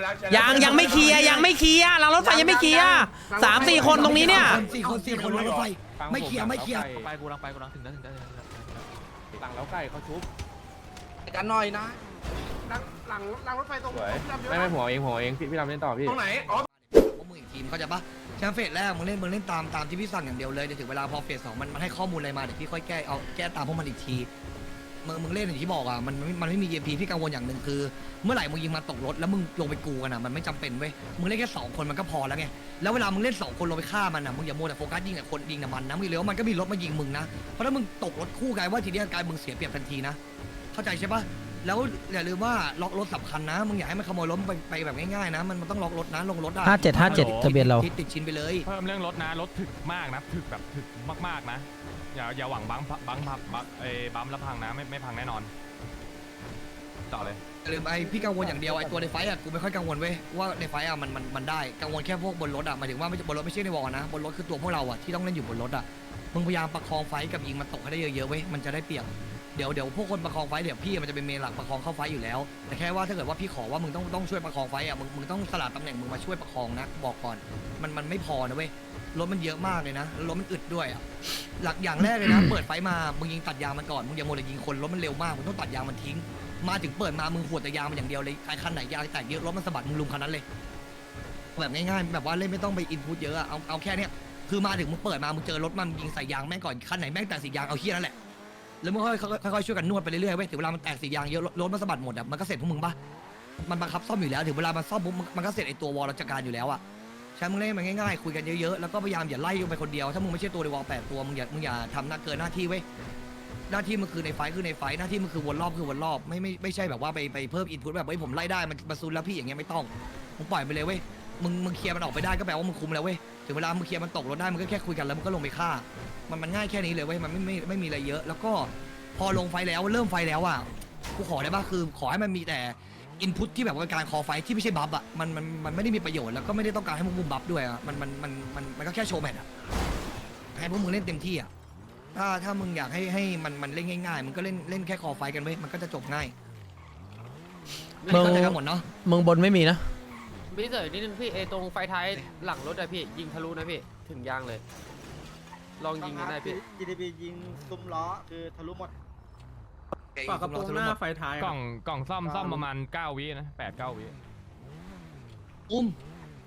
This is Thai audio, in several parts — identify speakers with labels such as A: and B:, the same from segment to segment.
A: ยังไม่เคลียร์ยังไม่เคลียร์หลังรถไฟยังไม่เคลียร์3-4 คนตรงนี้เนี่ย
B: 4 คนรถไฟไม่เคลียร์
C: ไปกูลังถึงแล้ว
D: หลังแล้วไก่เขาชุบ
B: กันหน่อยนะ
E: หลังรถไฟตรง
D: ไม่หัวเองพี่ทำเล่นต่อพี่
E: ตรงไหนอ๋อ
B: พวกมึงอีกทีมเขาใจปะแชมป์เฟสแรกมึงเล่นตามที่พี่สั่งอย่างเดียวเลยเดี๋ยวถึงเวลาพอเฟส 2มันให้ข้อมูลอะไรมาเดี๋ยวพี่ค่อยแก้ตามพวกมันอีกทีมึงเล่นอย่างที่บอกอ่ะมันไม่มี EMP พี่กังวลอย่างหนึ่งคือเมื่อไหร่มึงยิงมาตกรถแล้วมึงลงไปกูกันอ่ะมันไม่จำเป็นเว้ยมึงเล่นแค่2 คนมันก็พอแล้วไงแล้วเวลามึงเล่น2 คนลงไปฆ่ามันอ่ะมึงอย่ามัวแต่โฟกัสยิงแต่คนยิงแต่มันนะมึงเลี้ยวมันก็มีรถมายิงมึงนะเพราะถ้ามึงตกรถคู่กลายว่าทีนี้กลายมึงเสียเปรียบทันทีนะเข้าใจใช่ปะแล้วอย่าลืมว่าล็อกรถสำคัญนะมึงอย่าให้มันขโมยรถไปแบบง่ายๆนะมันต้องล็อกรถนะลงรถได้
A: 57ทะเบียนเรา
B: ติดชิ้นไปเลย
C: เพิ่มเรื่องรถนะรถถึกมากนะถึกแบบถึกมากๆนะอย่าหวังบังแล้วพังนะไม่พังแน่นอนต่อเลย
B: อย่าลืมพี่กังวลอย่างเดียวตัวในไฟอ่ะกูไม่ค่อยกังวลเว้ยว่าในไฟอ่ะมันได้กังวลแค่พวกบนรถอ่ะหมายถึงว่าบนรถไม่ใช่ในวอลนะบนรถคือตัวพวกเราอ่ะที่ต้องเล่นอยู่บนรถอ่ะมึงพยายามประคองไฟกับยิงมันตกให้ได้เยอะๆเว้ยมันจะได้เปรียบเดี๋ยวพวกคนประคองไฟเดี๋ยวพี่มันจะเป็นเมนหลักประคองเข้าไฟอยู่แล้วแต่แค่ว่าถ้าเกิดว่าพี่ขอว่ามึงต้องช่วยประคองไฟอ่ะมึงต้องสลับตำแหน่งมึงมาช่วยประคองนะบอกก่อนมันไม่พอนะเว้ยรถมันเยอะมากเลยนะรถมันอึดด้วยอ่ะหลักอย่างแรกเลยนะเปิดไฟมามึงยิงตัดยางมันก่อนมึงอย่าโมเลยยิงคนรถมันเร็วมากมึงต้องตัดยางมันทิ้งมาถึงเปิดมามึงขวดแต่ยางมันอย่างเดียวเลยไอ้คันไหนยางแตกเยอะรถมันสะบัดมึงลุมคันนั้นเลยแบบง่ายๆแบบว่าเล่นไม่ต้องไปอินพุตเยอะเอาแค่เนี้ยคือมาถึงมึงเปิดมามึงเจอรถมันยิงใส่ยางแม่งก่อนคันไหนแม่งแตกสียางเอาเฮี้ยนั่นแหละแล้วมึงค่อยๆช่วยกันนวดไปเรื่อยๆเว้ยถึงเวลามันแตกสียางเยอะรถมันสะบัดหมดอ่ะมันก็เสร็จพวกมึงปะมันบังคับซ่อมอยู่แล้วถึงเวลามันซ่อมปุ๊บมันก็เสร็จไอ้ตัววอลราชการอยู่แล้วอ่ะใช่มึงเล่นมันง่ายๆคุยกันเยอะๆแล้วก็พยายามอย่าไล่ลงไปคนเดียวถ้ามึงไม่ใช่ตัวในวอล8 ตัวมึงอย่าทำเกินหน้าที่เว้ยหน้าที่มันคือในไฟคือในไฟหน้าที่มันคือวนรอบไม่ใช่แบบว่าไปเพิ่มอินพุตแบบเฮ้ยผมไล่ได้มันมาซูนแล้วพี่อย่างเงี้ยไม่ต้องมึงปล่อยไปเลยเว้ยมึงเคลียร์มันออกไปได้ก็แปลว่ามึงคุมแล้วเว้ยถึงเวลามึงเคลียร์มันตกรถได้มึงก็แค่คุยกันแล้วมึงก็ลงไปฆ่ามันง่ายแค่นี้เลยเว้ยมันไม่มีอะไรเยอะแล้วก็พอลงไฟแล้วเริ่มไฟแล้วอ่ะกูขอได้ป่ะคือขอให้มันมีแต่อินพุตที่แบบว่าการคอไฟที่ไม่ใช่บัฟอ่ะมันไม่ได้มีประโยชน์แล้วก็ไม่ได้ต้องการให้พวกมึงบัฟด้วยอ่ะมันก็แค่โชว์แมทอ่ะให้พวกมึงเล่นเต็มที่อ่ะถ้ามึงอยากให้มันเล่นง่ายๆมันก็เล่นแค่คอไฟกันไว้มันก็จะจบง่าย
A: มึง
B: เข้าใจกันหมดเนาะ
A: มึงบนไม่มีนะ
F: พี่เสยนิดนึงพี่ตรงไฟท้ายหลังรถอะพี่ยิงทะลุนะพี่ถึงยางเลยลองยิงกันได้พี่
G: GDP ยิงซุ้มล้อคือทะลุหมด
B: ฝากกระโปรงหน้าไฟท้าย
C: กล่องซ่อมประมาณ9 วินะ8-9 วิ
B: บูม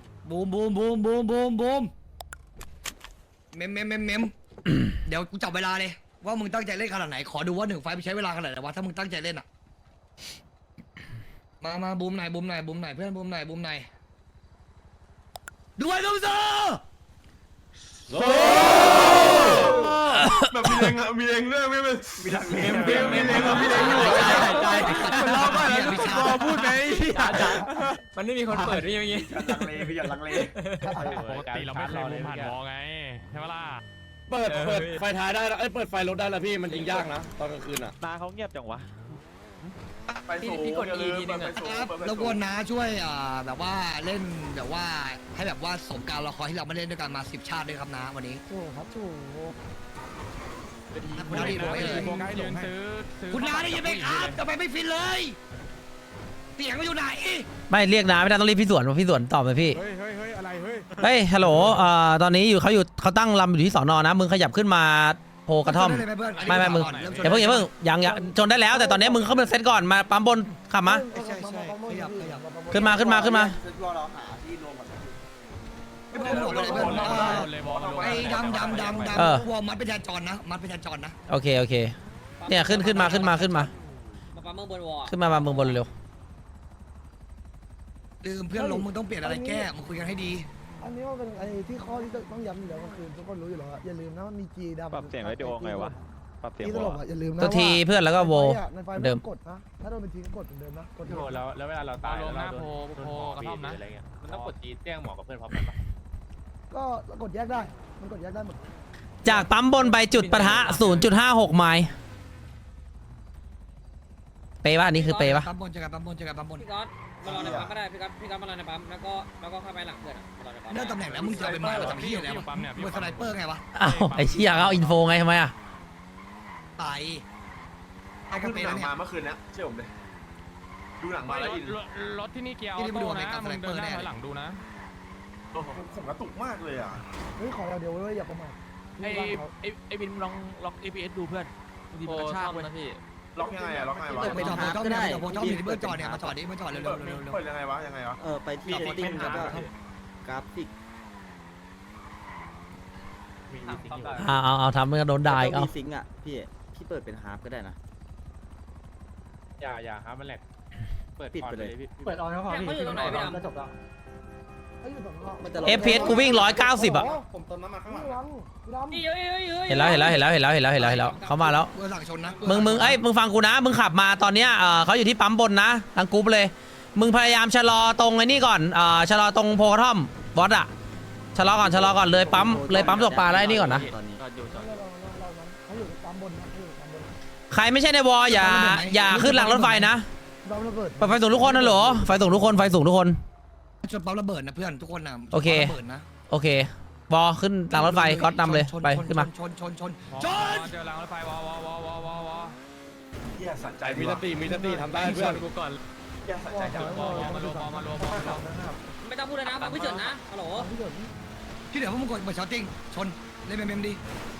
B: เมมเดี๋ยวกูจับเวลาเลยว่ามึงตั้งใจเล่นขนาดไหนขอดูว่า1 ไฟไปใช้เวลาขนาดไหนวะถ้ามึงตั้งใจเล่นอ่ะมาบูมไหนเพื่อนบูมไหนด้วยลูกโซ่
E: แบบมีเองอะมีเองด้วยไม่เป็นมีทางเลมีเอง
B: ใจ
E: เราก็รอพูดไหม
F: มันไม่มีคนเปิดด้วยอย่างงี้
G: ลังเลพี่อย่าลังเล
C: ปกติเราไม่เคยมุมผ่านวอไงใช่ปะล่ะ
D: เปิดไฟท้ายได้แล้วเปิดไฟรถได้แล้วพี่มันยิงยากนะตอนกลางคืนอ่ะ
G: ตาเขาเงียบจังวะ
F: พี่กด E ทีนึงอะ
B: แล้วกวนนะช่วยแบบว่าเล่นแบบว่าให้แบบว่าสมการละครที่เราไม่เล่นด้วยกันมา10 ชาติด้วยครับนะวันนี้
A: ถูกครับถูก
B: คุณน้าได้ยินไหมเลยคุณน้าได้ยินไหมครับทำไมไม่ฟินเลยเสียงมันอยู่ไหน
A: ไม่เรียกน้าไม่ได้ต้องเรียกพี่สวนตอบเลยพี่
E: เฮ้ยอะไร
A: เฮ้ยฮัลโหลตอนนี้เขาตั้งลำอยู่ที่สอนอนะมึงขยับขึ้นมาโพกระท่อมไม่มึงอย่าเพิ่งยังชนได้แล้วแต่ตอนนี้มึงเข้ามาเซตก่อนมาปั๊มบนขับมา
B: ใช่ขยับ
A: ขึ้นมา
B: ไอ้ดำวัวมัดไปแทนจอนนะ
A: โอเคเนี่ยขึ้นมา
F: ปั๊มเมืองบนวอ
A: ขึ้นมาเมืองบนเร็ว
B: ลืมเพื่อนล้มมึงต้องเปลี่ยนอะไรแก้มึงคุยกันให้ดี
H: อันนี้มันเป็นไอ้ที่ข้อที่ต้องย้ำอยู่แล้วก็คือทุกคนรู้อยู่แล้วอย่าลืมนะมันมีจีดำ
G: ปรับเสียงวิดีโอไงวะปรับเสียง
H: ตลกอย่าลืมนะ
A: ตัวทีเพื่อนแล้วก็โว
H: เดิมกดนะถ้าโดนเป็นทีก็กดเหมือนเดิมนะกด
D: แล้วเวลาเราตาย
C: ลงหน้าโพกระท่อมนะ
D: มันต้องกดจีแจ้งหมอกับเพื่อนพร้อมกันปะ
H: ก็กดแยกได้มันกดแยกได้หมด
A: จากปั๊มบนไปจุดปะทะ 0.56 ไมล์เปย์ป่ะอันนี้คือเปย์ป่ะ
B: ปั๊มบน
F: พี่ก๊อตมารอในปั๊มก็ได้พี่ก๊อตมารอในปั๊มแล้วก็เข้าไปหลังเพื่อนมารอในปั๊ม
B: ได้ตำแหน่งแล้วมึงจะไปมาทำที่อะไรวะมึงสไนเปอร์ไงวะ
A: อ้าวไอ้เชี่ยเอาอินโฟไงทำไมอะ
B: ไป
E: เอาขึ้นหนังมาเมื่อคืนนี้เชื่อผมเลยดูหนังมาแล้ว
C: รถที่นี่เกียร์ออโต้นะมึงเดินหน้าถอยหลังดูนะ
E: ผมกระตุกมากเลยอ่ะ
H: เฮ้ยขอเราเดี๋ยวเว้ยอย่าประมาท
I: ไอ้บินลองล็อก APS ดูเพื่อนบางทีมันกระชากเว้ย
E: ล็อกยังไงอ่ะล็อกยังไงวะ
B: ไปจอดก็ได้โบจ้องอยู่ที่เบอร์จอดเนี่ยมาจอดดิมาจอดเร็ว
E: เปิดยังไงวะยังไงวะ
G: ไปที่เซตติ้งแล้วก็กราฟิก
A: เอาทำเมื่อโดนด่าอีกเอา
G: มีซิงค์อ่ะพี่เปิดเป็นฮาร์ปก็ได้นะ
C: อย่าครับมันแหลกเปิด
G: ปิดไปเลย
C: พี่
I: เปิดออนแล้วพอพี่ตรงไหนพี่ดำ
H: ก็จบแล้วไอ้อยู่ตรงนอก
G: มันจะ
A: FPS กูวิ่ง190อ่ะ
E: ผมเติมน้ำมันข้างหลัง
H: พี่ดำ
A: เห็นแล้วเขามาแล้ว
B: ๆเบอร์หลังชนนะ
A: มึงฟังกูนะมึงขับมาตอนเนี้ยเขาอยู่ที่ปั๊มบนนะทางกรุ๊ปเลยมึงพยายามชะลอตรงไอ้นี่ก่อนชะลอตรงโพกระท่อมบอสอะชะลอก่อนเลยปั๊มตกปลาแล้วไอ้นี่ก่อนนะ
G: ตอนนี้
H: เขาอยู่ปั๊มบนนะเขาอยู่ปั๊มบน
A: ใครไม่ใช่ในวอลอย่าขึ้นหลังรถไฟนะ
H: ดาวระเบิด
A: ไฟสูงทุกคนนะเหรอไฟสูงทุกคน
B: ชนปั๊มระเบิดนะเพื่อนทุกคนนะ
A: โอเค
B: ระเบิดนะ
A: โอเคบอขึ้นหลังรถไฟก็นำเลยไปขึ้นมา
B: ชน
C: เจอรางรถไฟวอ
E: เฮียสัใจ
D: มีสติทำได้เพื่อน
C: กูก่อน
E: เฮียสัใจจัง
C: มารวม
F: ไม่ต้องพูดนะฟังพี่เฉินนะฮัลโหล
H: พี่เดิน
B: ที่เหลือพวกมึงกดเบอร์ช็อตติ้งชนเล่นเมมดี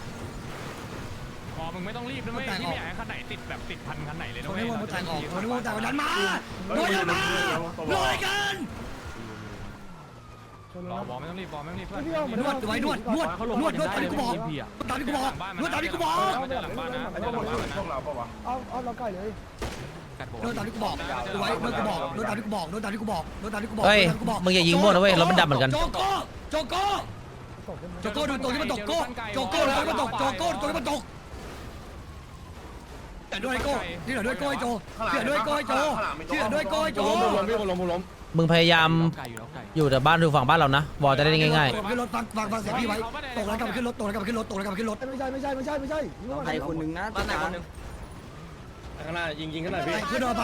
C: พอมึงไม่ต้องรีบนะไม่ที่ไม่อยากให้คันไหนติดแบบติดพันคันไหนเลย
B: ช
C: นะ
B: น
C: เว้
B: ให้
C: ยว
B: งมันแตกออกชนให้วงแตกดันมาโดยมาลอยกัน
H: ชน
C: ร
H: แล้
C: อ
H: ว
C: บอไม่ต้องรีบบอไม่ต้องรีบเพื่อน
H: พี่เอาเหมือน
B: นวดไว้นวดตามที่กูบอกตามที่กูบอกนวดตามที่กูบอก
C: ไม่เจอหลังบ้านนะไม่เจอหลังบ้านนะ
E: พวกเราปะวะ
H: เอาเราใกล้เลย
B: นวดตามที่กูบอกดูไว้นวดกูบอกนวดตามที่กูบอกนวดตามที่กูบอกนวดตามที่กูบอก
A: เฮ้ยมึงอย่ายิงมั่วนะเว้ยรถมันดำเหมือนกัน
B: โจโก้
H: ตกเป็น
B: โจโก้ดูตัวที่มันตกโก้โจโก้ตัวที่มันตกโจโก้ตัวที่มันตกแต่ด้วยโก้ที่เหลือด้วยโก้โจที่เหลือด้วยโก้โจที่เหลือด้วยโก้โจ
D: ล้มพี่ล้ม
A: มึงพยายามอยู่แต่บ้านดูฝั่งบ้านเรานะวอลจะได้ง่าย
B: ขึ้นรถฟังเสียงพี่ไว้ตกแล้วกลับขึ้นรถตกแล้วกลับขึ้นรถตกแล้วกลับขึ้นรถ
H: ไม่ใช่
G: ใครคนนึงนะ
F: บ้านไหนคนนึง
D: ข้างหน้ายิงข้างหน้าพี่
B: เพื่อนเอาไป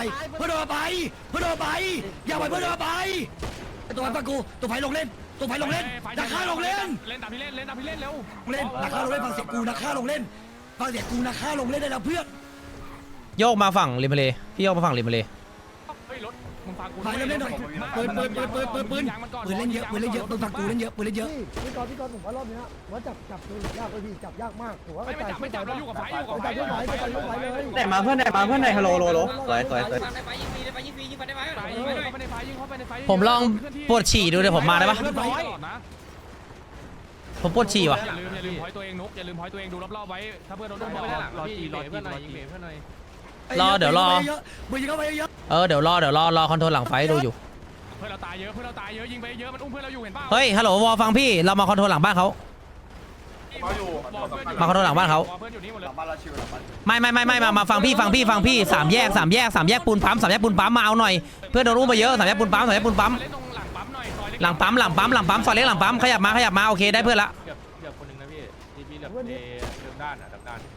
B: อย่าไปเพื่อนเอาไปตัวไฟกูตัวไฟลงเล่นนักฆ่าลงเล่น
C: เล่นตามพี่เล่นเร็ว
B: นักฆ่าลงเล่นฟังเสียงกูนักฆ่าลงเล่นได้แล้วเพื่อน
A: ๆโยกมาฝั่งริมทะเลพี่โยกมาฝั่งริมทะเล
C: เฮ้ยรถมึงฟังกู
B: ไปเล่นหน่อยปืนเล่นเยอะปืนฟังกูเล่นเยอะปืนเล่นเยอะ
H: พี่กอนผมว่ารอบนี้ว่าจับตัวยากเลยพี่จับยากมากผมว่า
C: ไม่จับเราอยู่กับไฟอยู่กับไฟ
H: เลย
G: ไหนมาเพื่อนไหนฮัลโหลสวย
F: ฟังในไฟยิงฟรียิงฟันได้ไหม
C: เข้าไปในไฟ
A: ผมลองปวดฉี่ดูเดี๋ยวผมมาได้ปะผมปวดฉี่ว่ะ
C: อย่าลืมพอยตัวเองนุกอย่าลืมพอยตัวเองดูรอบๆไว้ถ้าเพื่อนโดนบอกรอจีเพื่อนหน่อยเพื่อนหน่อย
B: เดี๋ยวรอปืนยิงเข้าไปเยอะ
A: เดี๋ยวรอคอนโทรลหลังไฟดูอยู่
C: เพื่อนเราตายเยอะยิงไปเยอะมันอุ้มเพื่อนเราอยู่เห็นป่าว
A: เฮ้ยฮัลโหลวอลฟังพี่เรามาคอนโทรลหลังบ้านเขา
E: เขาอยู่
A: มาคอนโทรลหลังบ้านเขา
C: เพื่อนอยู่นี่หมดเลย
E: บ้านเราชิวหลังบ้าน
A: ไม่มาฟังพี่สามแยกปูนปั๊มมาเอาหน่อยเพื่อนโดนอุ้มไปเยอะสามแยกปูนปั๊ม
C: เล่นตรงหลังปั๊มหน่อยซอยเล็ก
A: หลังปั๊มซอยเล็กหลังปั๊มขยับมาโอเคได้เพื่อนละ
C: เหลือคนนึงนะพี่เหลือเดิมด้านด้าน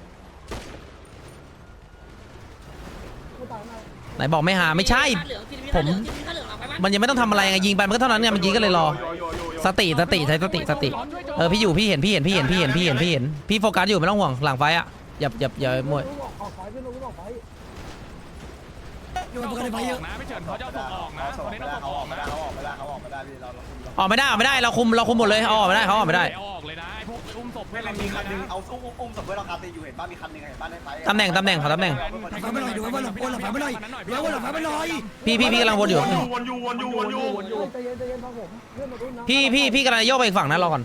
A: ไหนบอกไม่หาไม่ใช่ผมมันยังไม่ต้องทำอะไรไงยิงไปมันก็เท่านั้นไงมันยิงก็เลยรอสติใช้สติพี่อยู่พี่เห็นพี่โฟกัสอยู่ไม่ต้องห่วงหลังไฟอ่ะอย่ามั่ว
H: ออกไฟเพื่อนลงออกไฟ
B: อยู่กันในไฟเยอะ
C: นะไม่เฉินเขาจะเอาศพออกนะคนนี้ต้องศพออกนะ
E: เขาออกไม่ได้พี่เรา
A: ออกไม่ได้เราคุมหมดเลยออกไม่ได้เขาออกไม่ได้
C: ออกเลยนะไอ้พวกอุ้มศพเพื่อน
E: ไม่
C: เรา
E: มี
C: ยิง
E: คันนึง
C: นะ
E: เอาอุ้มศพเพื่อนเราคาตีอยู่เห็นบ้านมีคันนึงเห็นบ้านในไฟ
A: ตำแหน่งขอตำแหน่ง
B: ไฟไม่ลอยดูว่าหลังไฟไม่ลอยดูว่าหลังไฟไม่ลอย
A: พี่กำลังวนอยู่
E: วนอยู่
H: ใจเย็นฟังผมเพื่อนมารุ่นนะ
A: พี่กำลังโยกไปอีกฝั่งนะรอก่อน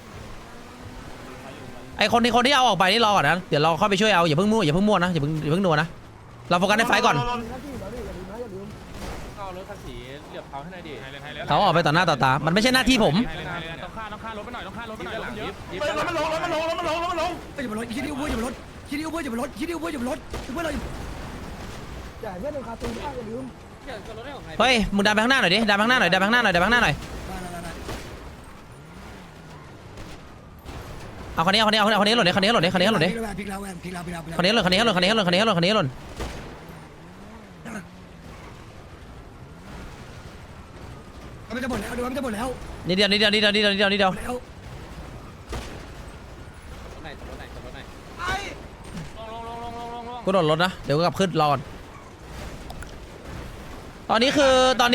A: ไอคนที่เอาออกไปนี่รอก่อนนะเดี๋ยวเราเข้าไปช่วยเอาอย่าเพิ่งมั่วนะอย่าเพิ่งนัวนะเราโฟกัสในไฟก่อน
H: หน้าที่แล้วนี่อย่าลืม
C: เอารถคันสีเหลือบเขาให้หน่อยดิ
A: เขาออกไปต่อหน้าต่อตามันไม่ใช่หน้าที่ผม
C: ต้องฆ่ารถไปหน่อยต้องฆ่ารถไปหน่อยเยอะ
E: มันลง
B: อย่าไปรถคิดดิวเพื่อนอย่าไปรถคิดดิวเพื่อนอย่าไปรถเพื่อนเรา
H: อย่าเพื่อนคาตูนบ้างอย่าลืม
A: เฮ้ยมึงดันไปข้างหน้าหน่อยดิดันไปข้างหน้าหน่อยเอาคันนี้หล่นดิคันนี้หล่นดิ
B: พลิกแล้ว
A: คันนี้หล่น
B: มันจะหมดแล้วดูมันจะหมดแล้ว
A: นิดเดียว
B: แล้ว
A: กูโดดรถนะเดี๋ยวกูกลับขึ้นรอก่อนตอนนี้คือ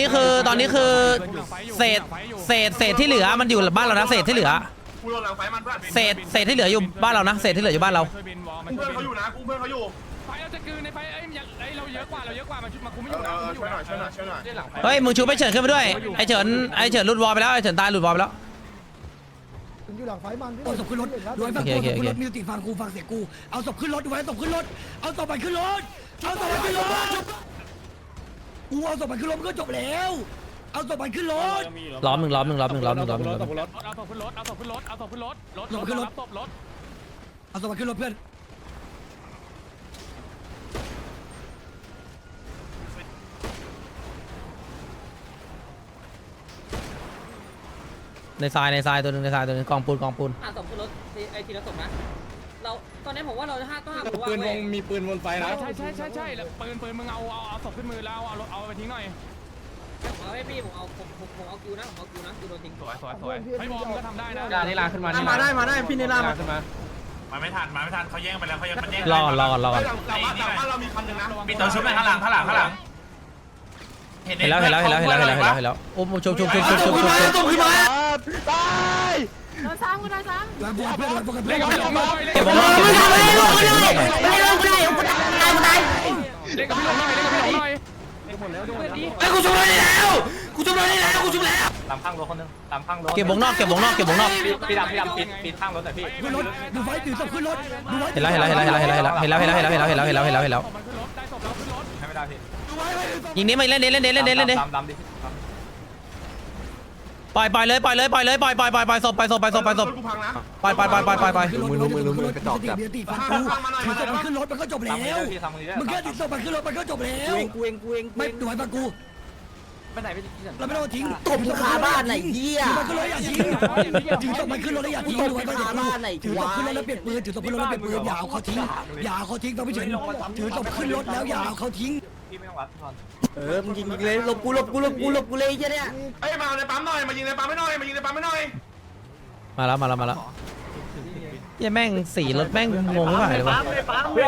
A: เศษที่เหลือมันอยู่บ้านเรานะเศษที่เหลือ
E: กูโดนหลังไฟมันเพื่อน
A: เศษที่เหลืออยู่บ้านเรานะเศษที่เหลืออยู่บ้านเรา
C: ช่วยบินวอลมา
E: กู
C: ช่วย
E: เพื่อน
C: บิน
E: เขาอยู่นะกูเพื่อนเขาอยู่
C: ไฟเราจะกลืนในไฟเอ้ยเราเยอะกว่ามาชุดมากูไม่อยู่นะ
E: ช่วยหน่อยช่วยหน่อยช่วยหน่อย
F: ได้หลังไฟ
A: เฮ้ยมึงชูไปเฉินขึ้นไปด้วยไอเฉินหลุดวอลไปแล้วไอเฉินตายหลุดวอลไปแล้ว
H: ถึงอยู่หลังไฟมันพี่
B: เอาศพขึ้นรถรวยฟัง
A: โอ
B: กู
A: เค
B: ศพ
A: โอเค
B: ขึ้นรถมีสติฟังกูฟังเสียงกูเอาศพขึ้นรถดูไว้ศพขึ้นรถเอาศพมันขึ้นรถเอาศพมันขึ้นรถกูเอาศพมันขึ้นรถมันก็จบแล้วเอาศพมันขึ้นรถ
A: ล้อมหนึ่ง
C: เอาศพขึ้นรถเอาศพขึ้นรถรถรับศพรถ
B: เอาศพมันขึ้นรถเพื่อน
A: ในทรายตัวหนึ่งกองปูน
F: อ่ะศพขึ้นรถไอ้ทีละศพนะเราตอนนี้ผมว่าเราห้าก็ห้าผมว่า
D: ปืนวงมีปืนบนไฟนะ
C: ใช่แล้วปืนมึงเอาศพขึ้นมือแล้วเอาไปทิ้งหน่อย
F: เอาให้พี่ผมเอาคิวนะคิวโดนทิ้ง
C: สวยไอ้บอมก็ทำได้นะ
F: การนิลาขึ้นมา
G: มาได้พี่นิลามา
F: ขึ้นมา
E: มาไม่ทันเขาแย่งไปแล้วเขายังมันแย่ง
A: รอ
E: หลังบ้านเรามีคันหนึ่งนะมีตัวชุบไปข้างหลังเห็น
A: เห็นแล้วอุ้มชุบ
G: ขึ้นมาตาย
B: หลังบวชเพื่อนหลังบวชเพื่อน
C: เล่นกับพี่หลงหน่อย
A: เก็บวงนอก
C: เล่นกับพี่หลงหน่อย
G: ไอ้กูชุบเลยแล้ว
E: ตามข้างรถคนนึงตามข้างรถ
A: เก็บวงนอก
E: พี่ดำปิดข้างรถหน่อยพี่
B: ขึ้นรถดูไฟถือศพขึ้นรถดูไฟ
A: เห็นแล้ว
C: ได้ศพแล้วขึ้นรถ
E: ให้ไม่ได้พี่
A: ยิงนี้มาเล่นดิ
E: ดำดิ
A: ปล่อยเลยศพไปศพ
E: กูพังนะ
A: ไป
B: ขึ้นรถมือกระจอกจับตีฟังกูถือศพมันขึ้นรถมันก็จบแล้ว
E: พี่ทำมือได้
B: มึงแค่ถือศพมันขึ้นรถมันก็จบแล้ว
G: กูเอง
B: ไม่ดูไว้ฟังกู
F: ไปไหนไปที่ไหน
B: เราไม่ต้องทิ้ง
G: ตบขาบ้านไหนเหี้ย
B: ถือมันขึ้นรถอย่าทิ้งถือศพมันขึ้นรถแล้วอย่าทิ้งดูไว้ฟังกูถือศพขึ้นรถแล้วเปลี่ยนปืนถือศพขึ้นรถแล้วเปลี่ยนปืนอย่าเอาเขาทิ้งฟังไม่เฉยถือศพขึ้นรถแล้วอย่าเอาเขาทิ้ง
E: พี่ไม่ต้องวัดก่อน
G: มึงยิงเลยหลบกูเลยเหี้ยเนี่ย
E: เอ้ยมาในปั๊มหน่อยมายิงในปั๊มไม่หน่อย
A: มาแล้วยังแม่งสีรถแม่งงงไม่ไหวเลยวะ
C: เป็น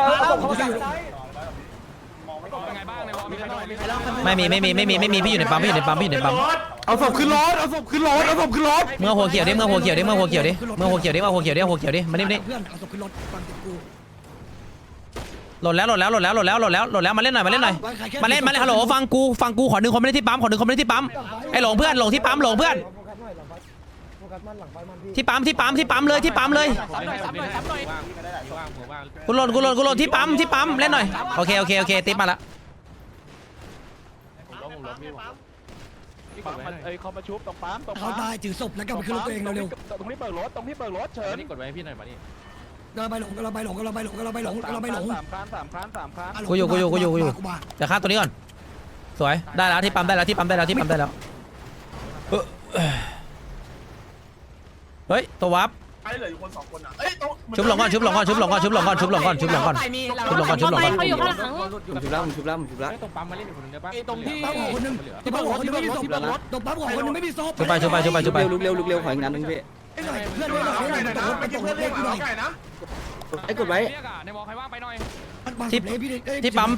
C: ไงบ้างในวอลมีใครบ้าง
A: ไม่มีพี่อยู่ในปั๊ม
D: เอาศพขึ้นรถ
A: เมื่อหัวเขียวดิมานี่
B: เพื่อนเอาศพขึ้นรถฟังเสียงกู
A: หล่นแล้วมาเล่นหน่อยมาเล่นฮัลโหลฟังกูขอดึงคนไม่ได้ที่ปั๊มไอ้หลงเพื่อนหลงที่ปั๊มหลงเพื่อน
H: โฟกัสมันหลังไฟมันพี่
A: ที่ปั๊มเลย
F: ซ้ำหน่อย
A: กูหล่นที่ปั๊มเล่นหน่อยโอเคติ๊บมาละ
I: เขามาชุบตรงปั๊มตรง
B: เขาตายถือศพแล้วกลับไปขึ้นรถตัวเองเร็ว
I: ตรงนี้เปิดรถเชิญ
F: นี่กดไว้ให้พี่หน่อยมานี่
B: ๆเราไปหลง
I: 3 ครั้ง
A: กูอยู่เดี๋ยวฆ่าตัวนี้ก่อนสวยได้แล้วที่ปั๊มได้แล้วเฮ้ยตัววับ
E: ไอ้เหลืออยู่คน2คนอ่ะเอ้ย
A: ชุบหลงก่อน
F: เขาอยู่ข้างหลัง
B: เขาอยู่ข้างหลัง
F: ตรงปั๊มมาเล่นอยู่คนนึงได้ปะ
I: ตรงที่
B: ปั๊มของคนนึงตรงปั๊มของคนนึงไม่มีศพตรงปั๊มของคนนึงไม่มีศพ
A: ชุบไป
G: ลุกเร็วขออีกนัดนึงพี่
B: เพื่อนไม่หน่อย
E: ไก่นะเมื่อกี้เพื่อนเรียกหาไก่นะ
G: ไอ้กดไว้
C: เรียกในวอลใครว่างไปหน่อย
A: ที่ปั๊ม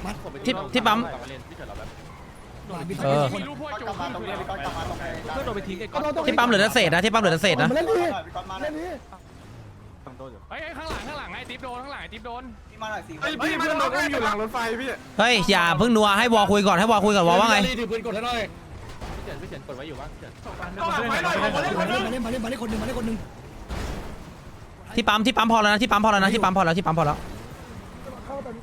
C: มีรูปพวกจูบ
I: เพื่อนโดนไปทิ้งไอ้ก้อน
A: ที่ปั๊มเหลือแต่เศษนะ
H: มาเล่นดิเล่นดิ
C: เฮ้ยข้างหลังไอ้ติ๊บโดนไอ้ติ๊บโดน
E: ไอ้พี่เพื่อนเราก็อยู่หลังรถไฟพี่
A: เฮ้ยอย่าเพิ่งนัวให้วอคุยก่อนวอว่าไง
D: ถือปืนกดให้หน่อย
F: พี่เฉินกดไว้อยู่วะ
E: ต้องหลังไฟหน่อยมาเล่น
B: มาเล่นคนนึง
A: ที่ปั๊มพอแล้วนะที่ปั๊มพอแล้ว
H: เข้าตอนนี้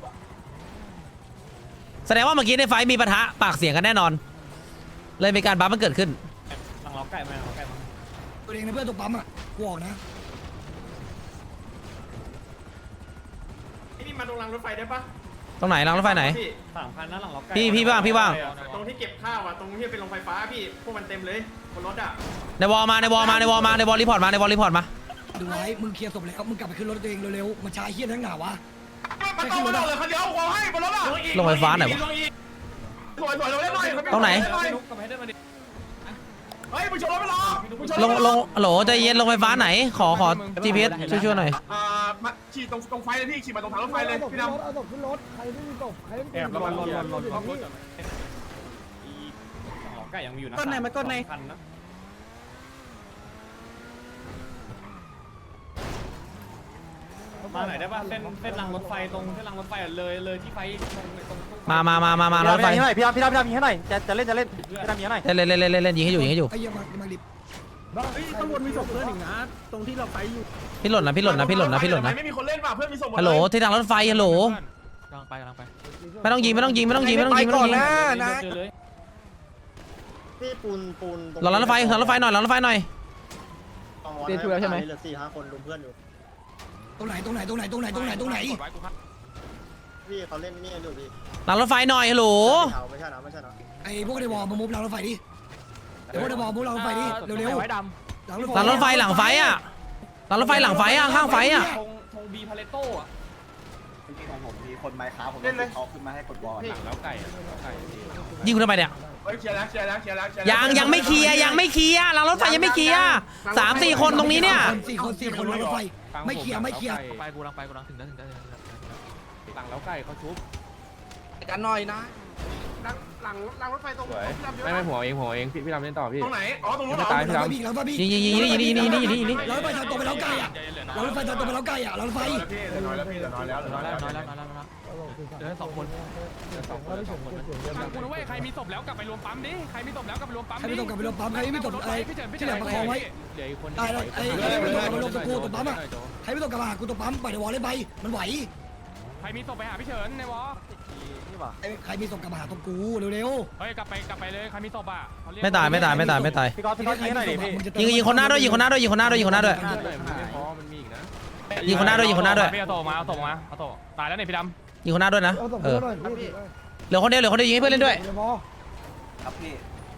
A: แสดงว่าเมื่อกี้ในไฟมีปะทะปากเสียงกันแน่นอนเลยมีการบัฟมันเกิดขึ้น
B: ตัวเองนะเพื่อนตรงปั๊มอ่ะกูออกนะ
E: นี่มาตรงหลังรถไฟได้ปะ
A: ตรงไหนรางรถไฟไหน
E: 3,000นะหลังรถไฟ
A: พี่ว่าง
E: ตรงที่เก็บข้าวอ่ะตรงที่เป็นโรงไฟฟ้าพี่พวกมันเต็มเลยบนรถอ่ะ
A: ในวอลรีพอร์ตมา
B: ดูไว้มึงเคลียร์ศพแล้วมึงกลับไปขึ้นรถตัวเองเร็วๆมันช้าเฮี้ยทั้งหนาวะ
E: มันต้องรถเลยคันเดียววอลให้บนรถอ่ะ
A: ลงไฟฟ้าไหนวะ
E: สวยเราเล่นหน่อย
A: ตรงไหน
E: เฮ้ยมึงชนรถไปรอ
A: ลงโหลใจเย็นลงไฟฟ้าไหนขอ GPS ช่วยหน่อย
E: มาฉีดตรงไฟเลยพี่ฉีดมาตรงทางรถไฟเลยพี่ดำ
H: เอาศพขึ้นรถใครไม่มีศพใครไม่มีศพ
D: ไก่ยังมีอยู่นะ
G: ก้นไหนมาก้นไหน
D: คันนะ มาไหนได้ป่ะเส้นรางรถไฟตรงเส้นรางรถไฟเลยที่ไฟตรง
A: มารถไฟ
G: ยิงหน่อยพี่ดำยิงให้หน่อยจะเล่นพี่ดำยิงให้หน่อย
A: เล่นยิงให้อยู่
B: ไอ้เหี้ยมาดิบ
H: ข้างบนมีศพเพื่อนอีกนะ
A: พี่หล่นนะ
E: ไม่มีคนเล่นป่ะเพื่อนมีส่ง
A: ฮัลโหลที่ทางรถไฟฮัลโหล
I: กำลังไป
A: ไม่ต้องยิง
D: เจอเลย
E: พี่ปูน
A: รอรถไฟหน่อย
G: เตรียมตัวแล้วใช่ไหม
E: เหลือ4-5 คนลุมเพื่อนอยู่
B: ตรงไหน
C: กดไว้กูครับ
E: พี่เขาเล่นนี่อยู่พี่
A: หลังรถไฟหน่อยฮัลโหล
E: ไม่ใช่นะ
B: ไอ้พวกในวอลมามุฟรางรถไฟดิไอ้พวกในวอลมุฟรางรถไฟดิเร็ว
I: ไว้ด
B: ๆ
A: หลังรถไฟหลังไฟอ่ะข้างไฟอ่ะ
D: ธงบีพาเลโต้อะ
E: จริงๆของผมมีคนไม้ค้าผมเขาขึ้นมาให้กดวอล
D: แล้วไก่
A: ยิงกูทำไมเนี่ย
E: เคลียร์แล้ว
A: ยังไม่เคลียร์หลังรถไฟยังไม่เคลียร์3-4 คนตรงนี้เนี่ย
B: สี่คนรางรถไฟไม่เคลียร์
I: ำไปกูลังถึงแล้ว
D: หลังแล้วไก่เขาชุบ
G: กันหน่อยนะ
E: หลังรถไฟตรง
C: ไม่หัวเองพี่ดำเล่นต่อพี่
E: ตรงไหนอ๋อตรงนู้น
C: ไม่ตายพี่ดำ
B: แล้วป่ะพี่
A: ยิง
B: รถไฟทางตรงไปแล้วไกลอ่ะรถไฟทางตรงไปแล้วไกลอ่ะรถไฟ
E: พี่เหลือน้อยแล้ว
I: เดี๋ยว2 คน
C: ฟังกูนะเว้ยใครมีศพแล้วกลับไปรวมปั๊มดิใครมีศพแล้วกลับไปรวมปั๊ม
B: ใครไม่ต้องกลับไปรถปั๊มใครไม่ต้องอะไรที่เหลือประคองไว้
C: เหลืออีกคน
B: ได้ไอ้ไม่ต้องกลับไปรถตะกูตรงปั๊มอ่ะใครไม่ต้องกลับมาหากูตรงปั๊มปล่อยในวอลเล่นไปมันไหว
C: ใครมีศพไปหาพี่เฉินในวอ
B: ใครมีส่งกลับมาหาตรงกูเร็ว
C: เฮ้ยกลับไปเลยใครมีศพอ่ะ
A: ไม่ตาย
G: พี่ก๊อตยิงให้หน่อยดิพี่
A: ยิงคนหน้าด้วยยิงคนหน้าด้วย
C: ไม่พอมันมีอีกนะ
A: ยิงคนหน้าด้วย
C: พี่เอาศพมาตายแล้วเนี่ยพี่ดำ
A: ยิงคนหน้าด้วยนะ
H: เอาศพ
A: เอ
H: เพื่อ
A: อน
H: หน่อยพี่
A: เหลือคนเดียวยิงให้เพื่อนเล่นด้วย
H: เดี๋ยวพอ
E: ครับพี่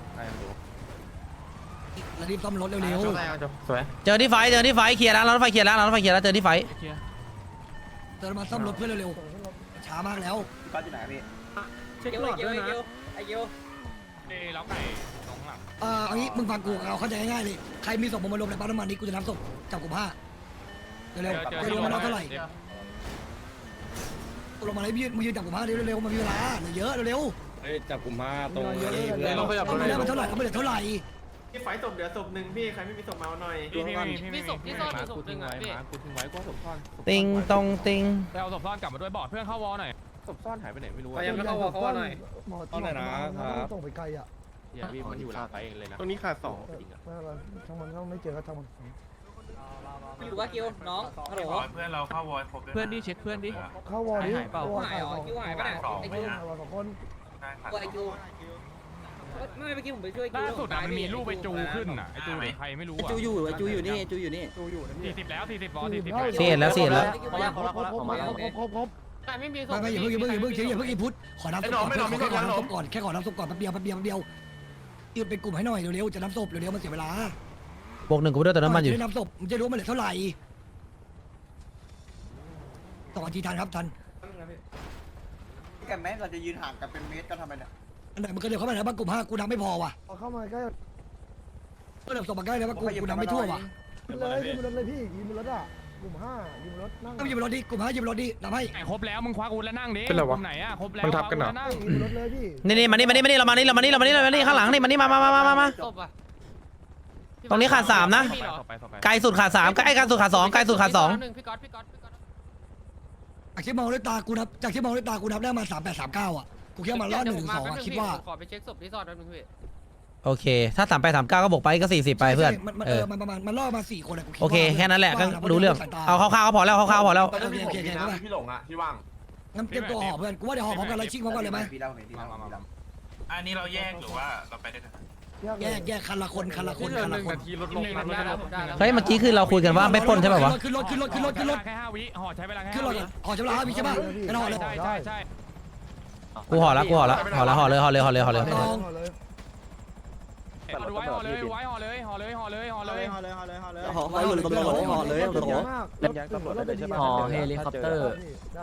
B: ๆแล้วรีบซ่อมรถเร็ว
C: สวย
A: เจอที่ไฟเคลียร์แล้วรถไฟเคลียร์แล้วเจอที่ไฟ
B: ๆเดินมาซ่อมรถเพื่อนเร็วๆช้ามากแล้ว
E: พี่ก๊อตอยู่ไหนพี่
G: เช็คหลอดด้วยนะไอเกียว
C: แล้วไก่ตรงหลัง
B: เอางี้มึงฟังกูเอาเข้าใจง่ายๆเลยใครมีศพมารวมในปั๊มน้ำมันนี้กูจะนับศพจับกลุ่ม5เร็วๆไม่รู้มันเอาเท่าไหร่ลงมาเลยมึงยืนจับกลุ่ม5เร็วๆมันมีเวลาเหลือเยอะเร็ว
D: เฮ้ยจับกลุ่มมาตรง
B: ๆ
D: นี้
B: เอามาได้มันเท่าไหร่เอามาเหลือเท่าไหร่
E: พี่ไฟศพเหลือศพหนึ่งพี่ใครไม่มีศพมาเอาหน่อย
F: มีศพที่ซ่อนอยู่ศพหนึ่งอ่ะพี่
C: กูทิ้งไว้กูศพซ่อน
A: ติงตองติง
C: ไปเอาศพซ่อนกลับมาด้วยบอดเพื่อนเข้าวอหน่อยศพซ่อนหายไปไหนไม่รู้
H: ยังไม่เข้าวอเขาหน่อยหมอส่งไปไกลอ่ะ
C: อย่าพี่มันอยู่หลังไปเองเลยนะ
E: ตรงนี้ขาด2
H: ไม่เป็นไรช่างมันก็ไม่เจอก็ช่างมัน
G: อยู่ว่าคิวน้องฮัลโหล
E: เพื่อนเราเข้าวอลครบ
I: เพื่อนดิเช็คเพื่อนดิ
H: เข้าวอร์ดิ
I: หายเปล่า
G: หายเหรอคิวหายปะเนี่ยไอคิว
H: 2 คน
G: ไอคิวไม่เมื่อกี้ผมไปช่วยคิว
C: ล่าสุดมันมีรูปไปจูขึ้นอ่ะไอจูหรือใครไม่รู้อ่ะ
G: จูอยู่นี่
C: 40แล้ว40บอล40
A: เสียแล้ว
H: ครบ
F: แต่ไม่มีศพ
B: ไม่อย่าเพิ่งพุทธขอน้ำศพก่อนแค่ขอน้ำศพก่อนแป๊บเดียวยืนเป็นกลุ่มให้หน่อยเร็วๆจะน้ำศพเร็วๆมันเสียเวลา
A: บวก 1กูด้วยแต่น้ำมันอยู่
B: จะน้ำศพมันจะรู้มันเหลือเท่าไหร่2 นาทีทันครับทัน
E: แกแม้เราจะยืนห่างกันเป็นเมตรก็ทำไมเนี่ย
B: อันไหนมันก็เดี๋ยวเข้ามาแล้วบ้างกลุ่ม5กูน้ำไม่พอว่ะ
H: เอาเข้ามาใกล้
B: ก็เดี๋ยวส่งมาใกล้แล้วว่ากูน้ำไม่ทั่วว่ะ
H: เลยยิงรถเลยพี่ยิงรถอ่ะกลุ่ม5ยิงรถนั่ง
B: ต้องยิงรถดิกลุ่ม5ยิงรถดิน้ำให้
C: ครบแล้วมึงคว้ากูแล้วนั่งดิไหนอ่ะครบแล้ว
H: ยิงรถเลยพี่
A: นี่มานี่เรามานี่ข้างหลังนี่มานี่มา
F: ศพอ่ะ
A: ตรงนี้ขาด3นะไกลสุดขาด3ใกล้สุดขาด2ไกลสุดขาด2
F: พี่ก๊อต
B: จากที่มองด้วยตากูนับได้มา3839อ่ะกูคิดว่ามันรอด1 2อ่ะคิดว่า
F: ขอไปเช็คศพที่ซ่อนแป๊บนึงพี่
A: โอเคถ้า3839ก็บวกไปก็40ไปเพื่อน
B: มันประมาณมันรอดมา4 คนอ่ะ
A: โอเคแค่นั้นแหละก็รู้เรื่องเอาคร่าวๆก็พอแล้วคร่าวๆพอแล้ว
B: โอเค
E: พี่หลงอ่ะที่ว่าง
B: งั้นเตรียมตัวห่อเพื่อนกูว่าเดี๋ยวห่อพร้อมกันแล้วชิงพร้อมกันเลยไหม
E: พี่เล่าพี่เล่า
J: อันนี้เราแยกหรือว่าเราไปด้วยกัน
B: แยกคันละคน
C: ลดลง
F: ได้แล้วได้แล้ว
A: เฮ้ยเมื่อกี้คือเราคุยกันว่าไม่ปล้นใช่ป่าวะ
B: ขึ้นรถ
C: แค่5วิห่อใช้เวลาแค่
B: ขึ้นรถห่อใช่ไหมพี่ใช่ป่ะกันห่อเลย
C: ใช่
A: กูห่อแล้วห่อเลย
B: ลอง
C: ห่อเลย
G: ห่อไปอยู่ตำรวจห่อเลย
H: เฮลิคอปเตอร์ได้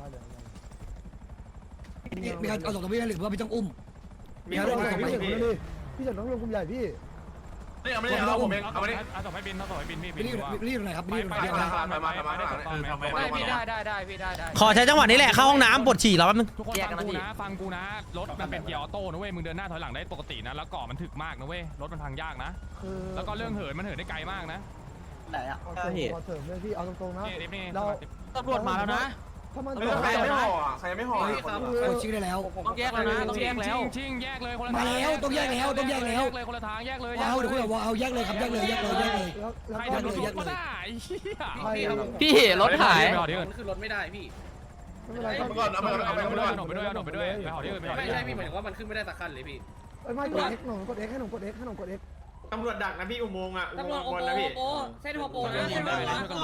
B: มีการเอาส่งตัวพี่หรือว่าพี่ต้องอุ้ม
H: พี่เฉินต้องลงกลุ่มใหญ่พี่
E: นี่เอาไม่ได้เอาผมเองเอาไม่ได้
C: เอาส่งให้บินเอาส่งให้บินพี่
B: รีบ
C: ว่า
B: รีบหน่อยครับรีบหน่อย
F: ไม่พี่ได้พี่ได้
A: ขอใช้จังหวะนี้แหละเข้าห้องน้ำปวดฉี่แล้วแป๊บนึง
C: ทุกคนฟังกูนะรถมันเป็นเกียร์ออโต้นะเว้ยมึงเดินหน้าถอยหลังได้ปกตินะแล้วเกาะมันถึกมากนะเว้ยรถมันพังยากนะ
H: คือ
C: แล้วก็เรื่องเหินมันเหินได้ไกลมากนะ
G: ไหนอ่ะ
H: ขอเสริมเลยพี่เอาตรงๆนะ
C: นี่นี่
H: เรา
I: ตำรวจมาแล้วนะ
H: ถ้ามัน
E: ใครไม่ห่อใครไม่ห่อ
B: คนชื่อได้แล้ว
I: ต้องแยกแล้วนะต้องแยกแล้ว
C: ชิงแยกเลยคนละ
B: มาแล้วต้องแยกแล้วต้องแยกแล้ว
C: เลยคนละทางแยกเลย
B: เอาเดี๋ยวคุณบอกว่าเอาแยกเลยครับแยกเลยแยกเลยแยกเลย
H: แล้ว
C: ใคร
H: ก็
C: จะรถก็ได้เฮีย
F: พี่รถหาย
G: มันขึ้นรถไม่ได้พี่
H: ไม่เป็นไร
E: เอาไปก่อนเอาไปก่อนเอาไปก่อน
C: ไปด้วยไปด้วยไปหอที่อื่นไปหอ
G: ไม่
C: ที่
G: ใช่
C: อื่น
G: พี่หมายถึงว่ามันขึ้นไม่ได้สักคันเลยพี่
H: ไม่กด X หนุ่มกด X ให้หนุ่มกด X ให้หนุ่มกด X
D: ตำรวจดักนะพี่อุโมงค์อ่ะ
G: ตำรวจโอ
D: อุ
G: โป
D: โมงค์นะพี่
G: โอเส้นโอโปนะเส้นโอโป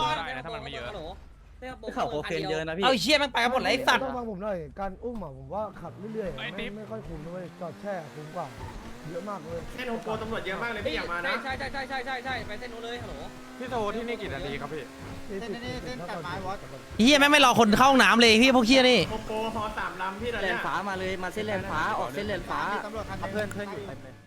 G: เขาโอเคนเยอะนะพี่
A: เอาเชี่ยแม่งไปกันหมดเลยไอ้สัตว์
H: ต้องฟังผมหน่อยการอุ้มอ่ะผมว่าขับเรื่อยๆไม่ค่อยคุ้มด้วยจอดแช่คุ้มกว่าเยอะมากเลย
D: เส้นโฮโปตำรวจเยอะมากเลยพี่อย่ามานะ
G: ใช่ไปเส้นนู้นเลยฮัลโหล
C: พี่โตที่นี่กี่นาทีครับพี่
H: เส้นตัดไม้วอส
A: เฮียแม่งไม่รอคนเข้าห้องน้ำเลยพี่พวกเฮียนี่
D: โฮโปฮอ3 ลำพี่ตอน
G: เล
D: เนี้
G: น
D: ย
G: ฟ้ามาเลยมาเส้นเลนฟ้าออกเส้นเลนฟ้า
H: ตำรวจคันเพื่อนอยู่เต็มเลย